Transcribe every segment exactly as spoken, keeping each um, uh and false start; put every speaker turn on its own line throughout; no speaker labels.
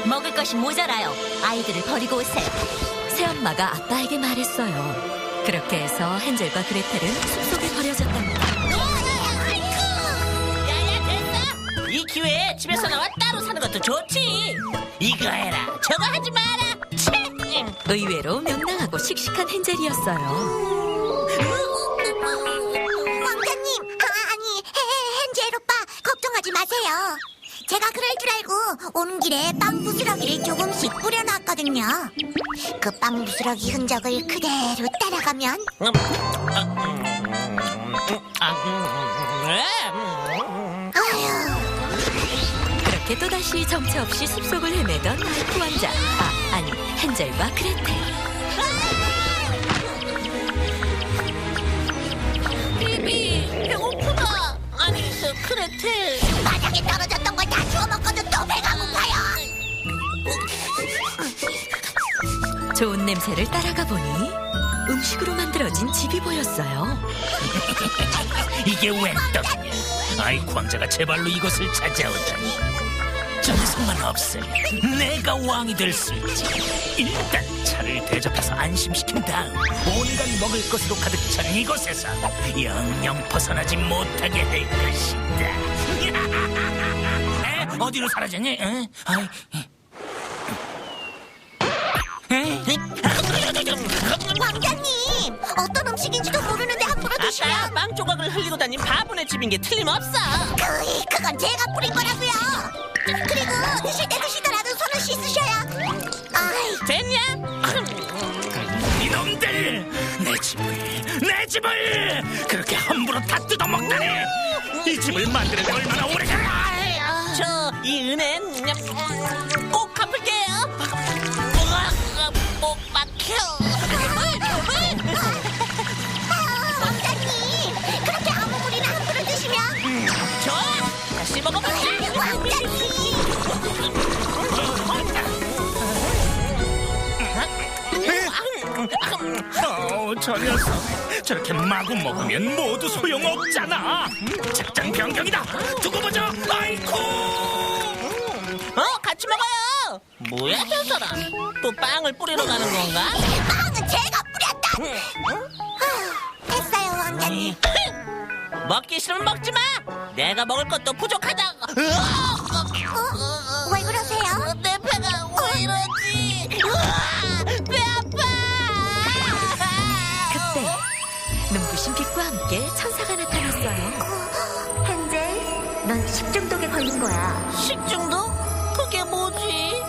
먹을 것이 모자라요. 아이들을 버리고 오세요. 새엄마가 아빠에게 말했어요. 그렇게 해서 헨젤과 그레텔은 숲속에 버려졌답니다.
야야 됐어. 이 기회에 집에서 나와 따로 사는 것도 좋지. 이거 해라 저거 하지 마라. 채!
의외로 명랑하고 씩씩한 헨젤이었어요.
왕자님, 아, 아니 해, 헨젤 오빠 걱정하지 마세요. 제가 그럴 줄 알고 오는 길에 빵 부스러기를 조금씩 뿌려놨거든요. 그 빵 부스러기 흔적을 그대로 따라가면
음, 음, 음, 아, 음, 음,
아휴,
그렇게 또다시 정처 없이 숲속을 헤매던 아이쿠 왕자. 아, 아니 헨젤과 그레텔.
비비 배고프다. 아니 저 크레텔.
바닥에 떨어졌던 걸 다 주워 먹고도 또 배가 고파요.
좋은 냄새를 따라가 보니 음식으로 만들어진 집이 보였어요.
이게 웬 떡이냐? 아이쿠 왕자가 제 발로 이것을 찾아오다니. 정성만 없으면 내가 왕이 될 수 있지. 일단 차를 대접해서 안심시킨 다음 온갖 먹을 것으로 가득 찬 이곳에서 영영 벗어나지 못하게 할 것이다. 에? 어디로 사라졌니? 에? 아이. 에?
왕자님, 어떤 음식인지도 모르는데 함부로
아까
드시면
빵 조각을 흘리고 다닌 바보네 집인 게 틀림없어.
그, 그건 제가 뿌린 거라고요. 그리고 드실 때 드시더라도 손을 씻으셔야. 아이,
됐냐?
이놈들! 내 집을, 내 집을 그렇게 함부로 다 뜯어먹다니! 이 집을 만드는데 얼마나 오래 걸려!
저 이 은혜는 꼭 갚을게요. 으악, 못 막혀.
아, 왕자님, 그렇게 아무 물이나 함부로 드시면.
좋아, 다시 먹어볼까?
왕자님.
어, 저 녀석 저렇게 마구 먹으면 모두 소용없잖아. 작전 변경이다. 두고 보자. 아이쿠.
어, 같이 먹어요. 뭐야, 저 사람? 또 빵을 뿌리러 가는 건가?
빵은 제가 뿌렸다. 아, 됐어요, 왕자님.
먹기 싫으면 먹지 마. 내가 먹을 것도 부족하다.
어? 왜 그러세요?
내 배가 왜 이러지? 으아, 배 아파.
그때 눈부신 빛과 함께 천사가 나타났어요.
헨젤, 넌 식중독에 걸린 거야.
식중독? 그게 뭐지?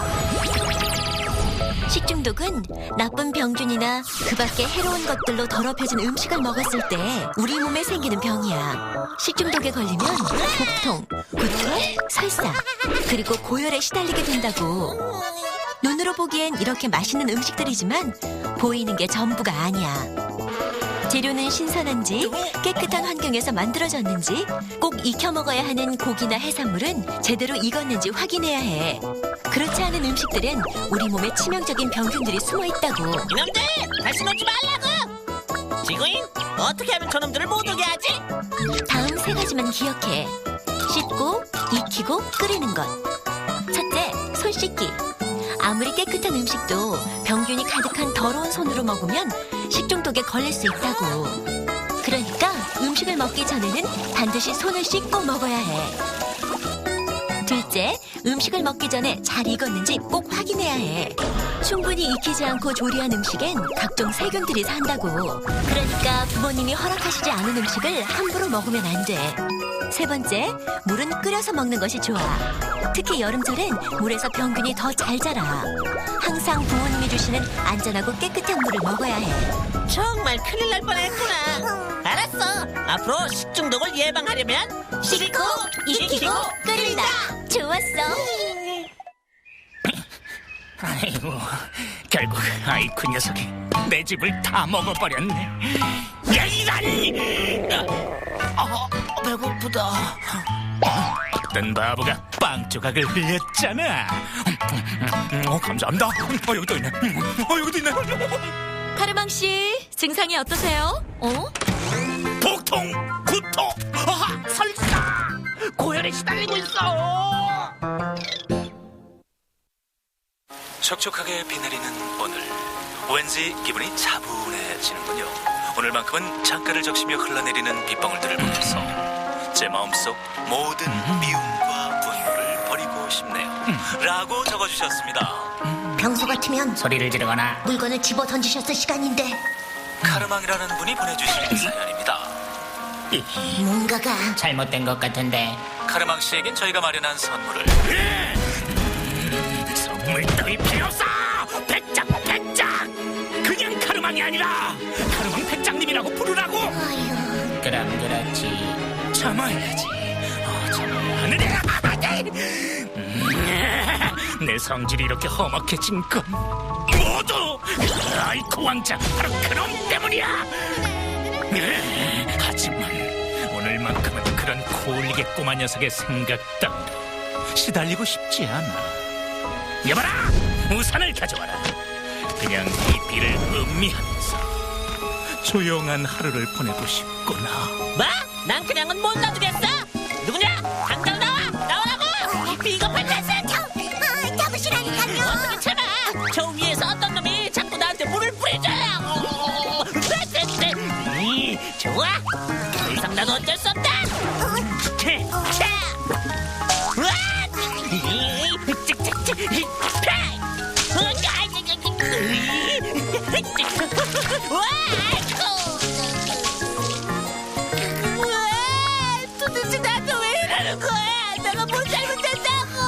식중독은 나쁜 병균이나 그 밖에 해로운 것들로 더럽혀진 음식을 먹었을 때 우리 몸에 생기는 병이야. 식중독에 걸리면 복통, 구토, 설사, 그리고 고열에 시달리게 된다고. 눈으로 보기엔 이렇게 맛있는 음식들이지만 보이는 게 전부가 아니야. 재료는 신선한지 깨끗한 환경에서 만들어졌는지 꼭 익혀 먹어야 하는 고기나 해산물은 제대로 익었는지 확인해야 해. 그렇지 않은 음식들은 우리 몸에 치명적인 병균들이 숨어 있다고.
이놈들 다시 먹지 말라고. 지구인 어떻게 하면 저놈들을 못 오게 하지?
다음 세 가지만 기억해. 씻고, 익히고, 끓이는 것. 첫째, 손 씻기. 아무리 깨끗한 음식도 병균이 가득한 더러운 손으로 먹으면 식중독에 걸릴 수 있다고. 그러니까 음식을 먹기 전에는 반드시 손을 씻고 먹어야 해. 둘째, 음식을 먹기 전에 잘 익었는지 꼭 확인해야 해. 충분히 익히지 않고 조리한 음식엔 각종 세균들이 산다고. 그러니까 부모님이 허락하시지 않은 음식을 함부로 먹으면 안 돼. 세 번째, 물은 끓여서 먹는 것이 좋아. 특히 여름철엔 물에서 병균이 더 잘 자라. 항상 부모님이 주시는 안전하고 깨끗한 물을 먹어야 해.
정말 큰일 날 뻔했구나. 알았어. 앞으로 식중독을 예방하려면
씻고, 익히고, 끓인다. 좋았어.
아이고, 결국 아이쿠 녀석이 내 집을 다 먹어버렸네. 야, 이란! 아, 배고프다. 어, 어떤 바보가 빵 조각을 흘렸잖아. 어, 감사합니다. 어, 여기도 있네. 어, 여기도 있네.
카르망 씨, 증상이 어떠세요? 어?
복통, 구토, 아, 설사, 고열에 시달리고 있어. 촉촉하게 비 내리는 오늘, 왠지 기분이 차분해지는군요. 오늘만큼은 창가를 적시며 흘러내리는 빗방울들을 보면서 제 마음속 모든 미움과 분노를 버리고 싶네요. 라고 적어주셨습니다.
평소 같으면
소리를 지르거나
물건을 집어 던지셨을 시간인데
카르망이라는 분이 보내주신 사연입니다.
뭔가가
잘못된 것 같은데.
카르망 씨에겐 저희가 마련한 선물을
선물 따위 필요 없어! 백작, 백작! 그냥 카르망이 아니라 카르망 백장님이라고 부르라고!
아유,
그럼 그렇지.
참아야지. 어, 참아야 하느냐? 음, 내 성질이 이렇게 험악해진 건 모두 아이코 왕자 바로 그놈 때문이야! 네, 하지만 오늘만큼은 그런 코올리게 꼬마 녀석의 생각 따위로 시달리고 싶지 않아. 여봐라! 우산을 가져와라. 그냥 이 비를 음미하면서 조용한 하루를 보내고 싶구나.
뭐? 난 그냥은 못 놔두겠어. 누구냐? 당장 나와! 나오라고! 비겁한 녀석!
참, 아, 잡으시라니까요.
어떻게 참아? 저 위에서 어떤 놈이 자꾸 나한테 물을 뿌리잖아. 이 좋아. 더 이상 나도 어쩔 수 없다. 차! 우와! 이, 찍찍찍! 이, 파! 우와! 우와! 아이고! 우와! 도대체 나한테 왜 이러는 거야? 내가 뭘 잘못했다고!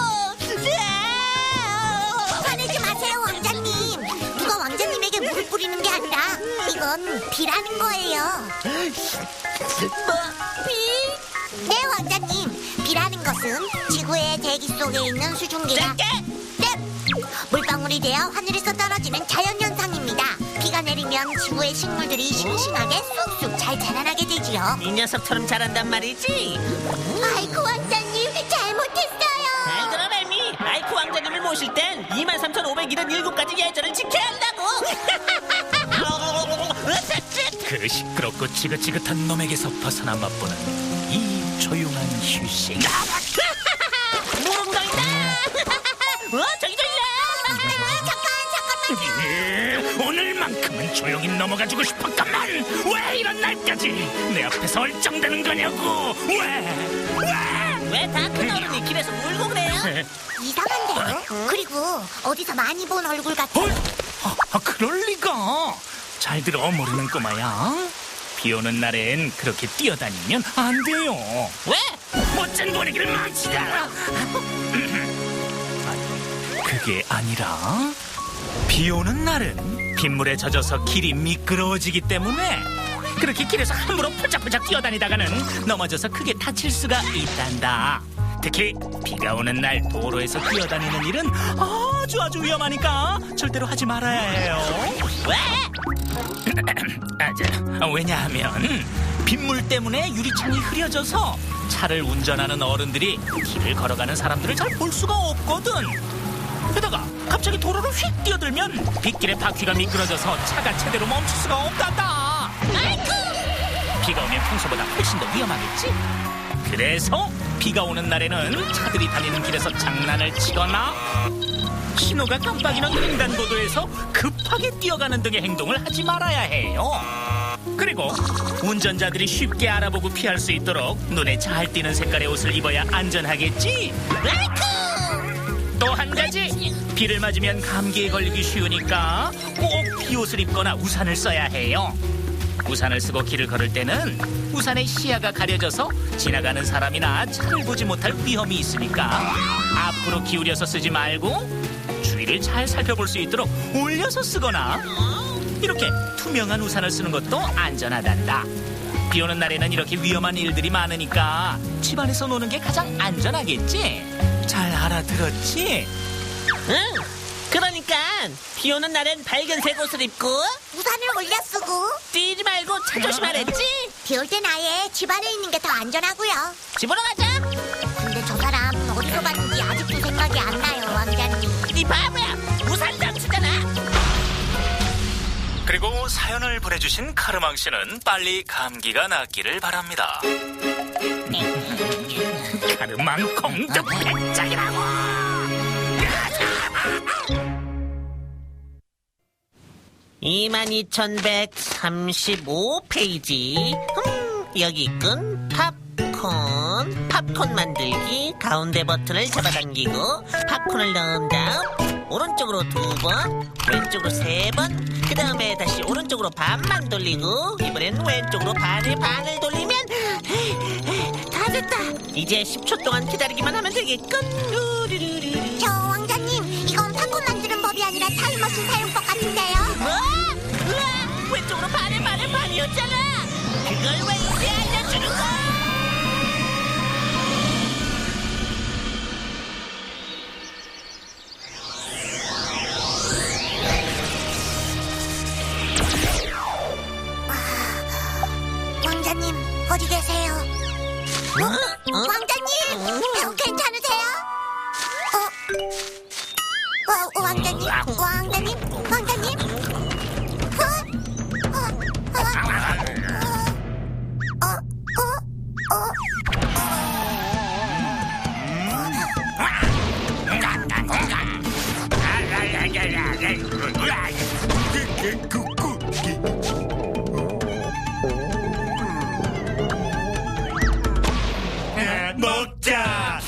화내지 마세요, 왕자님. 누가 왕자님에게 물을 뿌리는 게 아니라 이건 비라는 거예요.
뭐? 비?
네, 왕자님. 비라는 것은 지구의 대기 속에 있는 수증기가
짧게!
네! 물방울이 되어 하늘에서 떨어지는 자연현상입니다. 비가 내리면 지구의 식물들이 싱싱하게 쑥쑥 잘 자라나게 되지요.
이 녀석처럼 잘한단 말이지.
아이고, 왕자님, 잘못했어요.
잘 들어, 뱀이. 아이코 왕자님을 모실 땐 이만 삼천오백칠십칠 가지 예절을 지켜야 한다고.
그 시끄럽고 지긋지긋한 놈에게서 벗어나 맛보는 이 조용한 휴식.
무릉덩이다. 어, 저기 저기야.
잠깐, 잠깐만요.
예, 오늘만큼은 조용히 넘어가주고 싶었건만 왜 이런 날까지 내 앞에서 얼쩡대는 거냐고. 왜? 왜?
왜 다 큰 어른이 길에서 울고 그래요?
이상한데요? 그리고 어디서 많이 본 얼굴 같아요.
헐? 아, 아, 그럴 리가. 잘 들어, 모르는 꼬마야. 비 오는 날엔 그렇게 뛰어다니면 안 돼요.
왜?
멋진 분위기를 망치잖아. 그게 아니라 비 오는 날은 빗물에 젖어서 길이 미끄러워지기 때문에 그렇게 길에서 함부로 폴짝폴짝 뛰어다니다가는 넘어져서 크게 다칠 수가 있단다. 특히 비가 오는 날 도로에서 뛰어다니는 일은 아주 아주 위험하니까 절대로 하지 말아야 해요.
왜?
아, 저, 왜냐하면 빗물 때문에 유리창이 흐려져서 차를 운전하는 어른들이 길을 걸어가는 사람들을 잘 볼 수가 없거든. 게다가 갑자기 도로를 휙 뛰어들면 빗길에 바퀴가 미끄러져서 차가 제대로 멈출 수가 없단다.
아이고!
비가 오면 평소보다 훨씬 더 위험하겠지? 그래서 비가 오는 날에는 차들이 다니는 길에서 장난을 치거나 신호가 깜빡이는 횡단보도에서 급하게 뛰어가는 등의 행동을 하지 말아야 해요. 그리고 운전자들이 쉽게 알아보고 피할 수 있도록 눈에 잘 띄는 색깔의 옷을 입어야 안전하겠지? 또 한 가지, 비를 맞으면 감기에 걸리기 쉬우니까 꼭 비옷을 입거나 우산을 써야 해요. 우산을 쓰고 길을 걸을 때는 우산의 시야가 가려져서 지나가는 사람이나 차를 보지 못할 위험이 있으니까 앞으로 기울여서 쓰지 말고 주위를 잘 살펴볼 수 있도록 올려서 쓰거나 이렇게 투명한 우산을 쓰는 것도 안전하단다. 비 오는 날에는 이렇게 위험한 일들이 많으니까 집안에서 노는 게 가장 안전하겠지? 잘 알아들었지?
응. 그러니까 비 오는 날엔 밝은색 옷을 입고
우산을 올려 쓰고
뛰지 말고 차 조심하랬지?
비 올 땐 아예 집 안에 있는 게 더 안전하고요.
집으로 가자.
근데 저 사람 어디서 봤는지 아직도 생각이 안 나요, 왕자님.
이 바보야. 우산 장수잖아.
그리고 사연을 보내주신 카르망 씨는 빨리 감기가 낫기를 바랍니다.
카르망 공덕 백작이라고.
이만 이천백삼십오 페이지. 음, 여기 있군. 팝콘. 팝콘 만들기. 가운데 버튼을 잡아당기고 팝콘을 넣은 다음 오른쪽으로 두 번, 왼쪽으로 세 번, 그 다음에 다시 오른쪽으로 반만 돌리고 이번엔 왼쪽으로 반의 반을 돌리면 다 됐다. 이제 십 초 동안 기다리기만 하면 되겠군. 루루루루루.
저 왕자님, 이건 팝콘 만드는 법이 아니라 타임머신 사용법 같은데요.
뭐? 우와! 왼쪽으로 반의 반의 반이었잖아. 그걸 왜 이제 알려주는 거야?
왕자님, 어디 계세요? 어?
어?
왕자님, 어, 괜찮으세요? 어? 어, 왕자님, 왕자님, 왕자님. 어? 어? 어? 어? 어? 어?
먹자.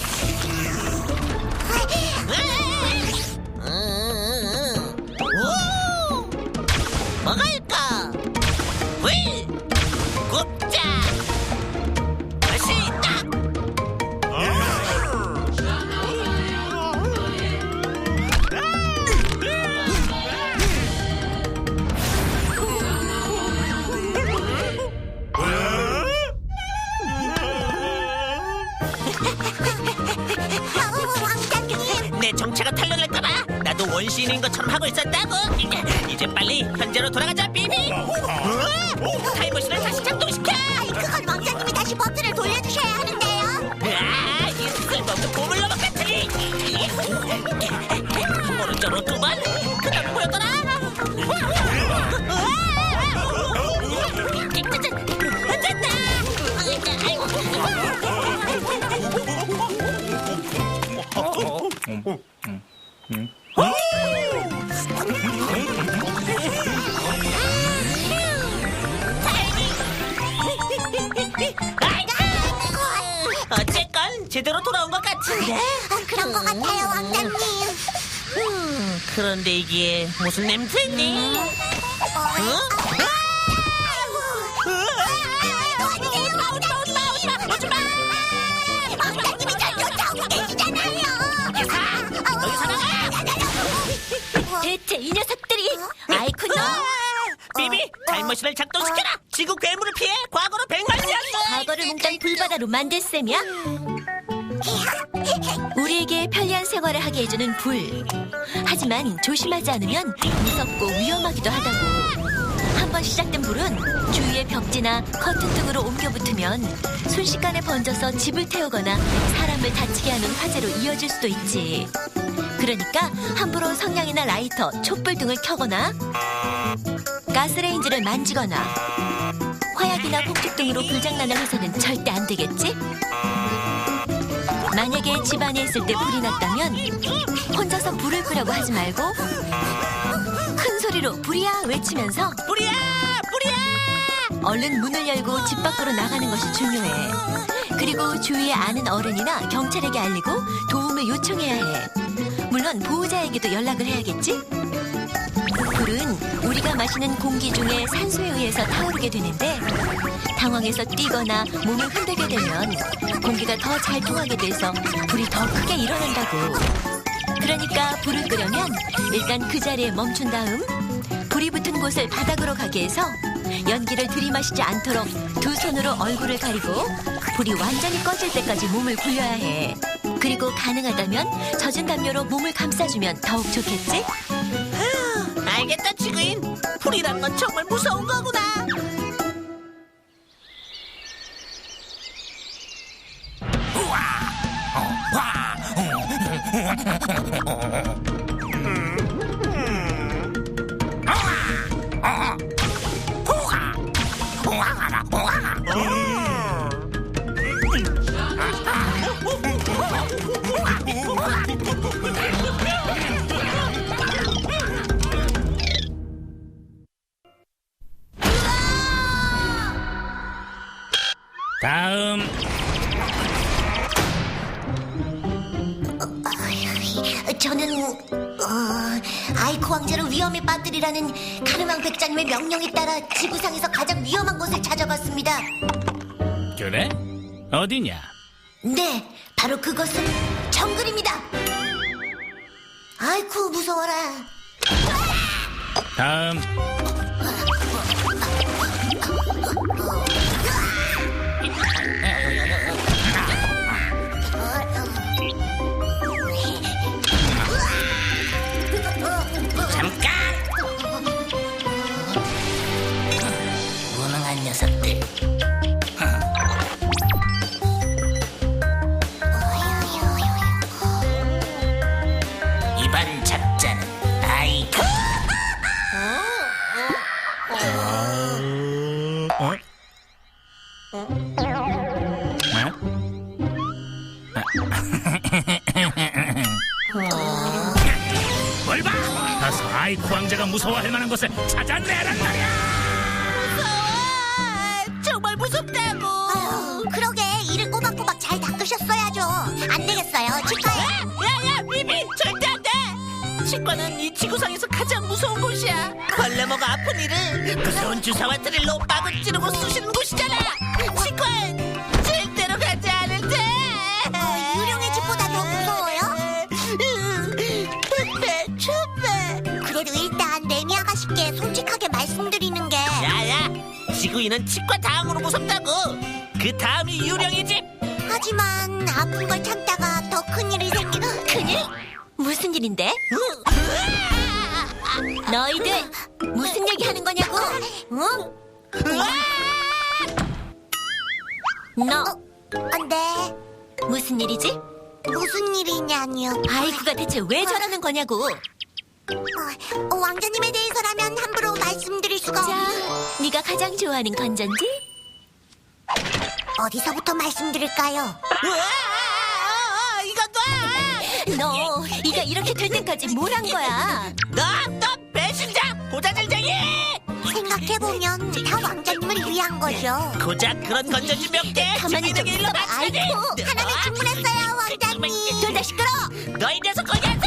오! 먹을까? 위! 굽자! 맛있다!
어, 왕자님.
내 정체가 탄로날까봐 나도 원시인인 것처럼 하고 있었다고. 이제, 이제 빨리 현재로 돌아가자, 비비. 우와! 타임머신을 다시 작동시켜.
아이, 그건 왕자님이 다시 버튼을 돌려주셔야 하는데요.
아, 이 쓸모없는 보물로봇 같으니. 오른쪽으로 두 번, 그다음 보였더라. 됐다. 어쨌건 제대로 돌아온 것 같은데.
어, 그런 것 같아요, 왕자님.
음, 그런데 이게 무슨 냄새니? 어?
왕자님이 잘 쫓아오고 계시잖아요.
여기서 나가!
대체 이 녀석들이 아이콘 너
비비, 타임머신을 작동시켜라. 지구 괴물을 피해 과거로 백만년을.
과거를 몽땅 불바다로 만들 셈이야? 우리에게 편리한 생활을 하게 해주는 불. 하지만 조심하지 않으면 무섭고 위험하기도 하다고. 한번 시작된 불은 주위의 벽지나 커튼 등으로 옮겨 붙으면 순식간에 번져서 집을 태우거나 사람을 다치게 하는 화재로 이어질 수도 있지. 그러니까 함부로 성냥이나 라이터, 촛불 등을 켜거나 가스레인지를 만지거나 화약이나 폭죽 등으로 불장난을 해서는 절대 안 되겠지? 만약에 집안에 있을 때 불이 났다면 혼자서 불을 끄려고 하지 말고 큰 소리로 불이야 외치면서
불이야! 불이야!
얼른 문을 열고 집 밖으로 나가는 것이 중요해. 그리고 주위에 아는 어른이나 경찰에게 알리고 도움을 요청해야 해. 물론 보호자에게도 연락을 해야겠지? 불은 우리가 마시는 공기 중에 산소에 의해서 타오르게 되는데 당황해서 뛰거나 몸을 흔들게 되면 공기가 더 잘 통하게 돼서 불이 더 크게 일어난다고. 그러니까 불을 끄려면 일단 그 자리에 멈춘 다음 불이 붙은 곳을 바닥으로 가게 해서 연기를 들이마시지 않도록 두 손으로 얼굴을 가리고 불이 완전히 꺼질 때까지 몸을 굴려야 해. 그리고 가능하다면 젖은 담요로 몸을 감싸주면 더욱 좋겠지?
알겠다, 지구인. 불이란 건 정말 무서운 거구나.
다음.
어, 저는 어, 아이코 왕자를 위험에 빠뜨리라는 카르망 백장님의 명령에 따라 지구상에서 가장 위험한 곳을 찾아봤습니다.
그래? 어디냐?
네, 바로 그것은 정글입니다. 아이쿠 무서워라.
다음.
잠깐! 무능한 녀석들. 이번 작전은 아이코.
어? 뭘 봐! 가서 아이코 왕자가 무서워할 만한 곳을 찾아내란 말이야!
정말 무섭다고.
아유, 그러게 이를 꼬박꼬박 잘 닦으셨어야죠. 안 되겠어요. 치과에.
야야 비비 절대 안 돼. 치과는 이 지구상에서 가장 무서운 곳이야. 벌레 먹어 아픈 이를 무서운 주사와 드릴로 막을 찌르고 쑤시는 곳이잖아. 치과엔 절대로 가지 않을 테.
어, 유령의 집보다 더 무서워요?
춥배 춥배.
그래도 일단 레미 아가씨께 솔직하게 말씀드리는 게
야야 지구인은 치과 다음으로 무섭다고. 그 다음이 유령의 집.
하지만 아픈 걸 참다가 더 큰일이 생기는
큰일? 무슨 일인데? 너희들 무슨 얘기 하는 거냐고? 응? 너
안 돼.
무슨 일이지?
무슨 일이냐니요.
아이쿠가 대체 왜 저러는 거냐고?
어, 왕자님에 대해서라면 함부로 말씀드릴 수가
자,
없...
네가 가장 좋아하는 건전지?
어디서부터 말씀드릴까요?
이거 놔.
너 이가 이렇게 될 때까지 뭘 한 거야?
너너 배신자 고자질쟁이.
생각해보면 다 왕자님을 위한 거죠.
고작 그런 건전지 몇개
가만히 좀
일로
있어봐,
맞춰야지.
아이고.
하나는 주문했어요, 왕자님.
둘 다 시끄러!
너희 녀석 거기 앉아.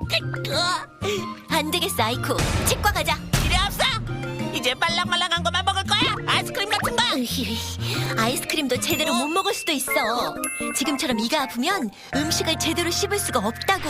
안 되겠어, 아이쿠. 치과 가자.
필요 없어. 이제 말랑말랑한 것만 먹을 거야. 아이스크림 같은 거.
으히, 아이스크림도 제대로 못 먹을 수도 있어. 지금처럼 이가 아프면 음식을 제대로 씹을 수가 없다고.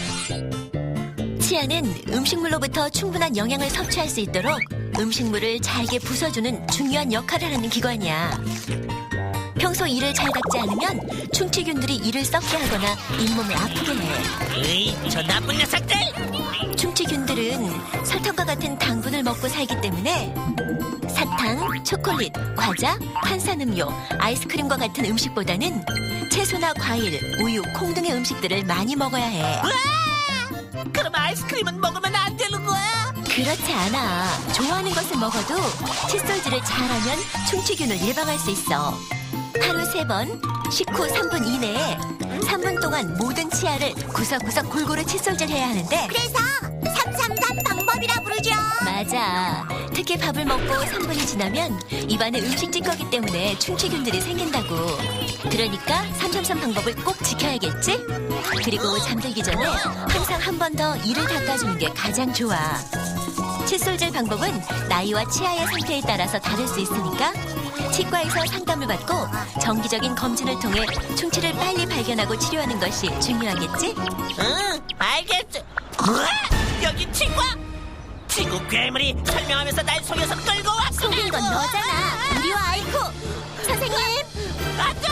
치아는 음식물로부터 충분한 영양을 섭취할 수 있도록 음식물을 잘게 부숴주는 중요한 역할을 하는 기관이야. 평소 이를 잘 닦지 않으면 충치균들이 이를 썩게 하거나 잇몸을 아프게 해.
에이, 저 나쁜 녀석들.
충치균들은 설탕과 같은 당분을 먹고 살기 때문에 사탕, 초콜릿, 과자, 탄산음료, 아이스크림과 같은 음식보다는 채소나 과일, 우유, 콩 등의 음식들을 많이 먹어야 해.
와! 그럼 아이스크림은 먹으면 안 되는 거야?
그렇지 않아. 좋아하는 것을 먹어도 칫솔질을 잘하면 충치균을 예방할 수 있어. 하루 세 번, 식후 삼 분 이내에 삼 분 동안 모든 치아를 구석구석 골고루 칫솔질해야 하는데
그래서 삼삼삼 방법이라 부르죠.
맞아. 특히 밥을 먹고 삼 분이 지나면 입안에 음식 찌꺼기 때문에 충치균들이 생긴다고. 그러니까 삼삼삼 방법을 꼭 지켜야겠지? 그리고 잠들기 전에 항상 한 번 더 이를 닦아주는 게 가장 좋아. 칫솔질 방법은 나이와 치아의 상태에 따라서 다를 수 있으니까 치과에서 상담을 받고 정기적인 검진을 통해 충치를 빨리 발견하고 치료하는 것이 중요하겠지?
응, 알겠지. 뭐야? 여기 치과? 지구 괴물이 설명하면서 날 속여서 끌고 왔어.
속인 건 너잖아. 우리와 아이코. 선생님.
안돼.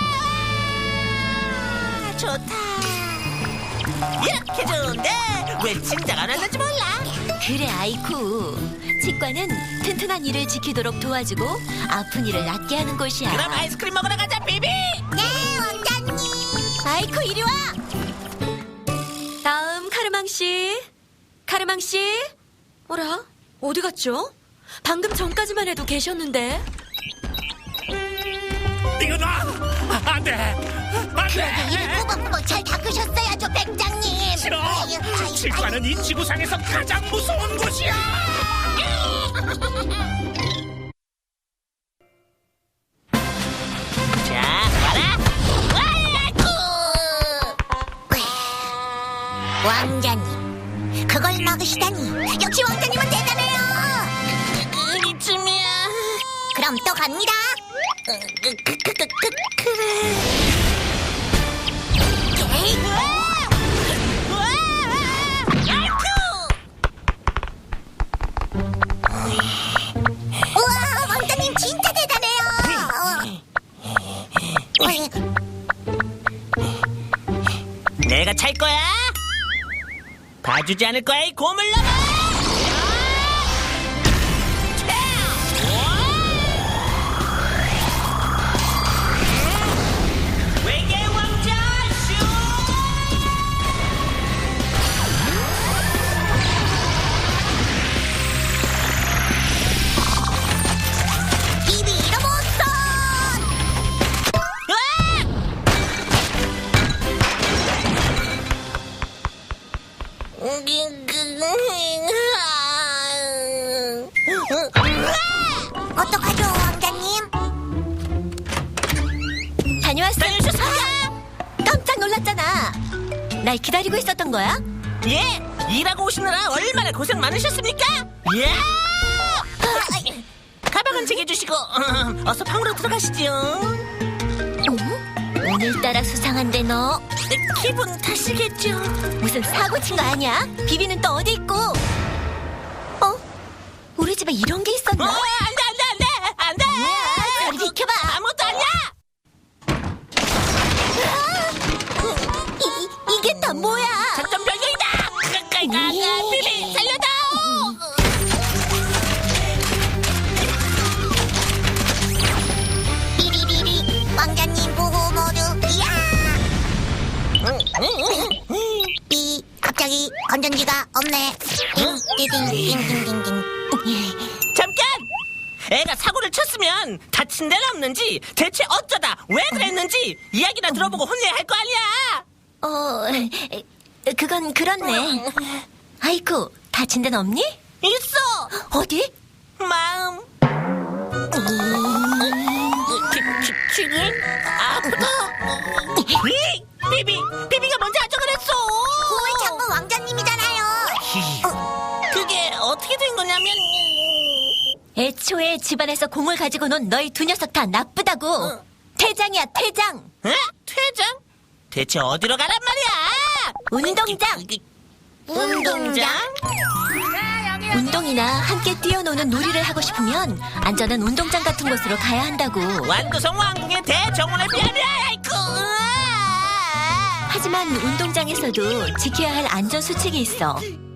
좋다. 이렇게 좋은데 왜 진작 안 왔는지 몰라.
그래, 아이쿠. 치과는 튼튼한 이를 지키도록 도와주고 아픈 이를 낫게 하는 곳이야.
그럼 아이스크림 먹으러 가자, 비비.
네, 왕자님.
아이쿠, 이리 와. 다음 카르망 씨. 카르망 씨. 뭐라? 어디 갔죠? 방금 전까지만 해도 계셨는데.
이거 놔! 안 돼! 안 돼!
이를 꼬박꼬박 잘 닦으셨어야죠, 백장님.
싫어!
아유, 아유,
치과는 이 지구상에서 가장 무서운 곳이야!
왕자님, 그걸 막으시다니. 역시 왕자님은 대단해요.
이쯤이야.
그럼 또 갑니다.
그, 그, 그, 그, 그, 그래.
에이, 우와, 왕자님 진짜 대단해요. 어이,
내가 찰 거야. 봐주지 않을 거야, 이 고물놈아. 외계 왕자 슈.
비비로 못선. 어떡하죠, 왕자님?
다녀왔어.
다녀오셨습니까?
깜짝 놀랐잖아. 날 기다리고 있었던 거야?
예, 일하고 오시느라 얼마나 고생 많으셨습니까? 예. 가방은 챙겨주시고 어, 어서 방으로 들어가시죠.
어? 오늘따라 수상한데 너
기분 탓이겠죠.
무슨 사고 친 거 아니야? 비비는 또 어디 있고? 어? 우리 집에 이런 게
어,
있었나?
안돼 안돼 안돼 안돼.
저리 비켜봐.
아무것도 아니야.
이, 이게 다 뭐야?
작전 변경이다. 가까이 나가. 비비 살려다.
비리비리, 왕자님 보호 모드. 이야! 삐, 갑자기 건전지가 없네. 띵띵띵띵띵띵띵.
잠깐. 애가 사고를 쳤으면 다친 데는 없는지 대체 어쩌다 왜 그랬는지 이야기나 들어보고 혼내야 할 거 아니야.
어, 에, 그건 그렇네. 아이쿠, 다친 데는 없니?
있어.
어디?
마음. 지금 아프다. 이, 비비, 비비가 먼저 하자 그랬어.
그걸 잡은 왕자님이잖아요.
그게 어떻게 된 거냐면
애초에 집안에서 공을 가지고 논 너희 두 녀석 다 나쁘다고. 퇴장이야, 퇴장.
에? 퇴장? 대체 어디로 가란 말이야?
운동장.
운동장?
운동이나 함께 뛰어노는 놀이를 하고 싶으면 안전한 운동장 같은 곳으로 가야 한다고.
완두성 왕궁의 대정원에 비하면 아이쿠.
하지만 운동장에서도 지켜야 할 안전 수칙이 있어.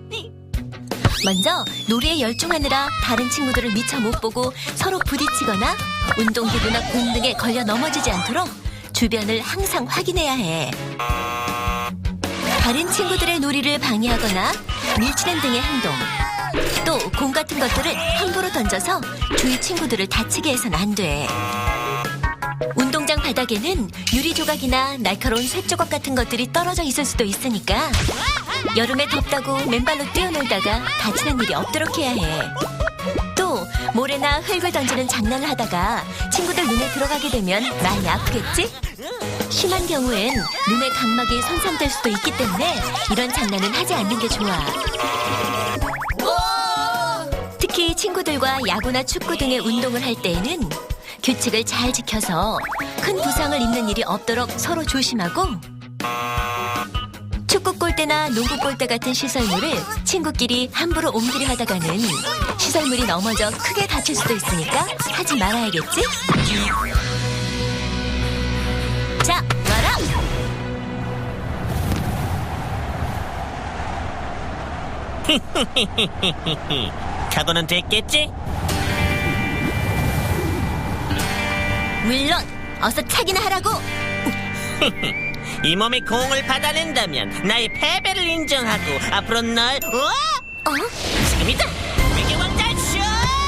먼저 놀이에 열중하느라 다른 친구들을 미처 못 보고 서로 부딪히거나 운동기구나 공 등에 걸려 넘어지지 않도록 주변을 항상 확인해야 해. 다른 친구들의 놀이를 방해하거나 밀치는 등의 행동, 또 공 같은 것들을 함부로 던져서 주위 친구들을 다치게 해서는 안 돼. 운동장 바닥에는 유리 조각이나 날카로운 쇳조각 같은 것들이 떨어져 있을 수도 있으니까 여름에 덥다고 맨발로 뛰어놀다가 다치는 일이 없도록 해야 해. 또 모래나 흙을 던지는 장난을 하다가 친구들 눈에 들어가게 되면 많이 아프겠지? 심한 경우엔 눈의 각막이 손상될 수도 있기 때문에 이런 장난은 하지 않는 게 좋아. 특히 친구들과 야구나 축구 등의 운동을 할 때에는 규칙을 잘 지켜서 큰 부상을 입는 일이 없도록 서로 조심하고, 축구 골대나 농구 골대 같은 시설물을 친구끼리 함부로 옮기려 하다가는 시설물이 넘어져 크게 다칠 수도 있으니까 하지 말아야겠지? 자, 와라!
각오는 됐겠지?
물론 어서 차기나 하라고.
이 몸의 공을 받아낸다면 나의 패배를 인정하고 앞으로 널 어?
어?
지금이다. 외계 왕자 슛!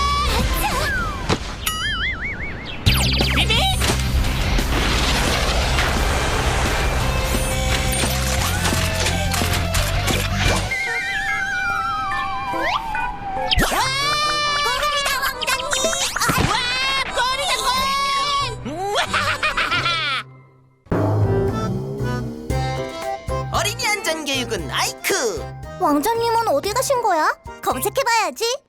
비비!
고맙습니다, 왕자님.
와! 골이다 골! 우와하하하하!
어린이 안전교육 붉은 아이크.
왕자님은 어디 가신 거야? 검색해봐야지.